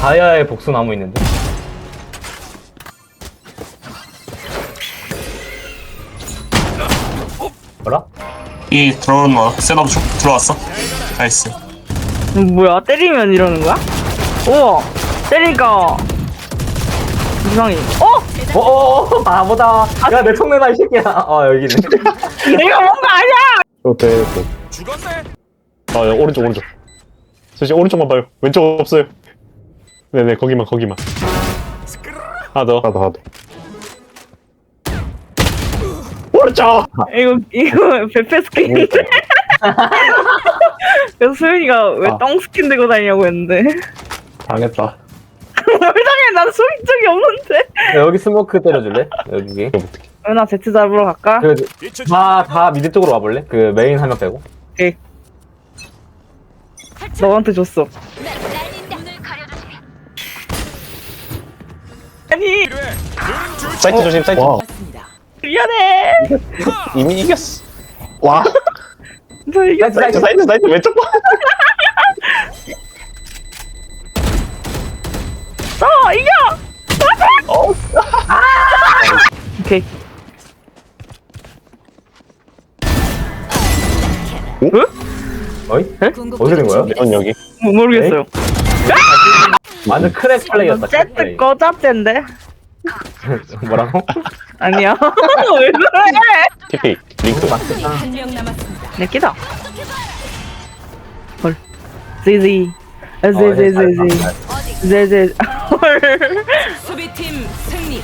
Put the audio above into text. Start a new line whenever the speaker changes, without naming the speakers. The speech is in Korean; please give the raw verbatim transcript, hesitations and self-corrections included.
다이아의 복수나무 있는데. 뭐라?
이 들어오는 거 셋업 쭉 들어왔어. 나이스.
음, 뭐야 때리면 이러는 거야? 우와 때리니까 이상해. 어?
어어어 바보다. 야 내 총 내놔 이 새끼야. 아 여기네.
내가 뭔가 아니야.
오케이 오케이.
죽었네.
아 야, 오른쪽 오른쪽. 선생님 오른쪽만 봐요. 왼쪽 없어요. 네네 거기만 거기만. 하나 더 하나 더 하나 더. 오른쪽.
이거 이거 베페 스킨. 그래서 소윤이가 왜
아.
똥 스킨 들고 다니냐고 했는데.
당했다.
뭘 당해? 난 쏘인 적이 없는데.
야, 여기 스모크 때려줄래? 여기.
은하 제트 잡으러 갈까?
다다 미드 쪽으로 와볼래? 그 메인 한 명 빼고.
오케이. 너한테 줬어. 아니
사이트 조심 사이트. 와.
미안해.
이미 이겼어. 와.
저 이겼어.
사이트 사이트 사이트 왼쪽 봐.
어 이겨.
어.
오케이.
어이? 어디서 된 거야?
레온 여기.
뭐, 모르겠어요.
완전 크랙 플레이였다.
제트
플레이.
꺼잡젠데.
뭐라고?
아니야. 왜 그래?
티피 링크.
한명 남았습니다.
내 끼다. 헐. 지지.
어,
지지지지.
잘했다.
지지. 헐.
수비팀